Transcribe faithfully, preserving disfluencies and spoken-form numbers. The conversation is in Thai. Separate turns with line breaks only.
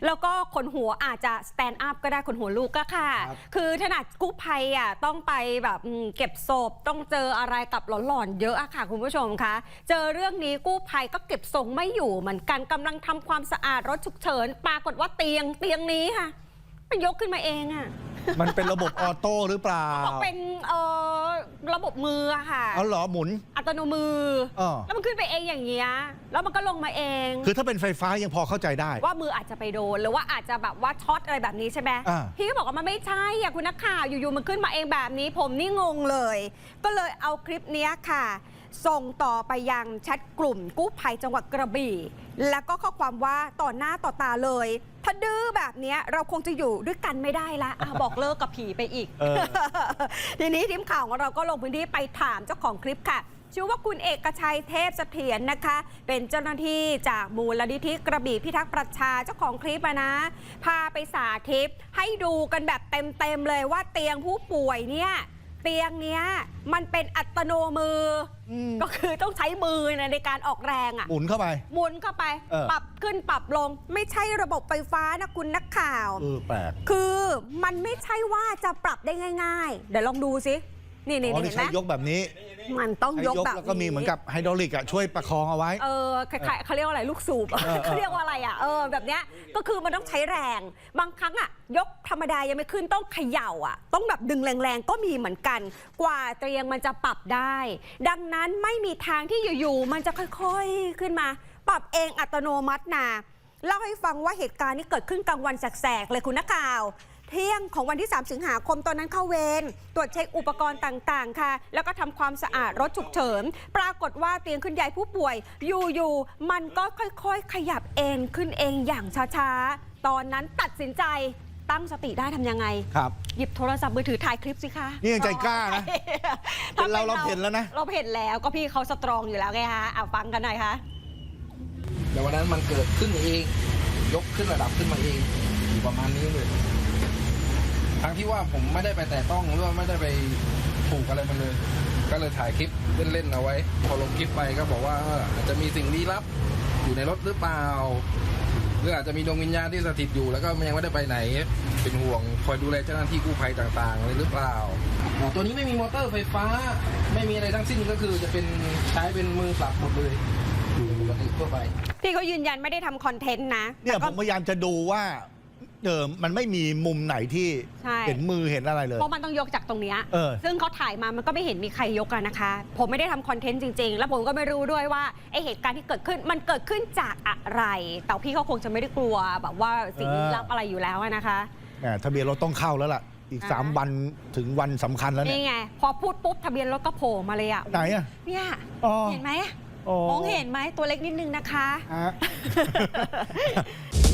แล้วก็ขนหัวอาจจะสแตนด์อัพก็ได้ขนหัวลูกก็ค่ะคือขนาดกู้ภัยอ่ะต้องไปแบบเก็บศพต้องเจออะไรกับหลอนๆเยอะอะค่ะคุณผู้ชมคะเจอเรื่องนี้กู้ภัยก็เก็บทรงไม่อยู่เหมือนกันกำลังทำความสะอาดรถฉุกเฉินปรากฏว่าเตียงเตียงนี้ค่ะมันยกขึ้นมาเองอ่ะ
มันเป็นระบบออโต้หรือเปล่า
บอกเป็นเอ่อระบบมือค่ะ
เอาเหรอหมุน
อัตโนมือแล้วมันขึ้นไปเองอย่างเงี้ยแล้วมันก็ลงมาเอง
คือถ้าเป็นไฟฟ้ายังพอเข้าใจได้
ว่ามืออาจจะไปโดนหรือว่าอาจจะแบบว่าช็อตอะไรแบบนี้ใช่ไหมพี่ก็บอกว่ามันไม่ใช่อ่ะคุณนักข่าวอยู่ๆมันขึ้นมาเองแบบนี้ผมนี่งงเลยก็เลยเอาคลิปนี้ค่ะส่งต่อไปยังแชทกลุ่มกู้ภัยจังหวัดกระบี่แล้วก็ข้อความว่าต่อหน้าต่อตาเลยถ้าดื้อแบบนี้เราคงจะอยู่ด้วยกันไม่ได้ละบอกเลิกกับผีไปอีก ทีนี้ทีมข่าวของเราก็ลงพื้นที่ไปถามเจ้าของคลิปค่ะชื่อว่าคุณเอกชัยเทพเสถียรนะคะเป็นเจ้าหน้าที่จากมูลนิธิกระบี่พิทักษ์ประชาเจ้าของคลิปนะพาไปสาธิตให้ดูกันแบบเต็มๆเลยว่าเตียงผู้ป่วยเนี่ยเตียงเนี้ยมันเป็นอัตโนมือก็คือต้องใช้มือในการออกแรงอ่ะ
หมุนเข้าไป
หมุนเข้าไปปรับขึ้นปรับลงไม่ใช่ระบบไฟฟ้านะคุณนักข่าว
เออแปลก
คือมันไม่ใช่ว่าจะปรับได้ง่ายๆเดี๋ยวลองดูสินี่นี่เห็นไหม
ยกแบบนี้
มันต้องยกแบบ
แล้วก็มีเหมือนกับไฮดรอลิกอ่ะช่วยประคองเอาไว้
เออเขาเรียกว่าอะไรลูกสูบเขาเรียกว่าอะไรอ่ะเออแบบเนี้ยก็คือมันต้องใช้แรงบางครั้งอ่ะยกธรรมดายังไม่ขึ้นต้องเขย่าอ่ะต้องแบบดึงแรงๆก็มีเหมือนกันกว่าเตียงมันจะปรับได้ดังนั้นไม่มีทางที่อยู่ๆมันจะค่อยๆขึ้นมาปรับเองอัตโนมัตินะเล่าให้ฟังว่าเหตุการณ์นี้เกิดขึ้นกลางวันแสกๆเลยคุณนักข่าวเที่ยงของวันที่สามสิงหาคมตอนนั้นเข้าเวรตรวจเช็คอุปกรณ์ต่างๆค่ะแล้วก็ทำความสะอาดรถฉุกเฉินปรากฏว่าเตียงขึ้นย้ายผู้ป่วยอยู่ๆมันก็ค่อยๆขยับเองขึ้นเองอย่างช้าๆตอนนั้นตัดสินใจตั้งสติได้ทำยังไง
ครับ
หยิบโทรศัพท์มือถือถ่ายคลิปสิคะ
นี่ยังใจกล้านะเป็นเราเราเห็นแล้วนะ
เราเห็นแล้วก็พี่เขาสตรองอยู่แล้วไงคะเอาฟังกันหน่อยค่ะ
แต่วันนั้นมันเกิดขึ้นเองยกขึ้นระดับขึ้นมาเองอยู่ประมาณนี้เลยทั้งที่ว่าผมไม่ได้ไปแตะต้องหรือว่าไม่ได้ไปถูกอะไรมันเลยก็เลยถ่ายคลิปเล่นๆเอาไว้พอลงคลิปไปก็บอกว่าอาจจะมีสิ่งลี้ลับอยู่ในรถหรือเปล่าหรืออาจจะมีดวงวิญญาณที่สถิตอยู่แล้วก็ยังไม่ได้ไปไหนเป็นห่วงคอยดูแลเจ้าหน้าที่กู้ภัยต่างๆอะไรหรือเปล่าตัวนี้ไม่มีมอเตอร์ไฟฟ้าไม่มีอะไรทั้งสิ้นก็คือจะเป็นใช้เป็นมือปรับหมดเลยปกติทั่วไป
พี่เขายืนยันไม่ได้ทำคอนเทนต์นะ
เนี่ยผมพยายามจะดูว่าเดิมมันไม่มีมุมไหนที่เห็นมือเห็นอะไรเลย
เพราะมันต้องยกจากตรงนี้ซึ่งเขาถ่ายมามันก็ไม่เห็นมีใครยกกันนะคะผมไม่ได้ทำคอนเทนต์จริงๆแล้วผมก็ไม่รู้ด้วยว่าไอเหตุการณ์ที่เกิดขึ้นมันเกิดขึ้นจากอะไรแต่พี่เขาคงจะไม่ได้กลัวแบบว่าสิ่งลี้ลับอะไรอยู่แล้วนะคะ
ทะเบียนรถต้องเข้าแล้วล่ะอีกสามวันถึงวันสำคัญแล้วเนี่ย
นี่ไงพอพูดปุ๊บทะเบียนรถก็โผล่มาเลยอ่ะ
ไหนอ่ะ
เนี่ยเห็นไหมมองเห็นไหมตัวเล็กนิดนึงนะคะ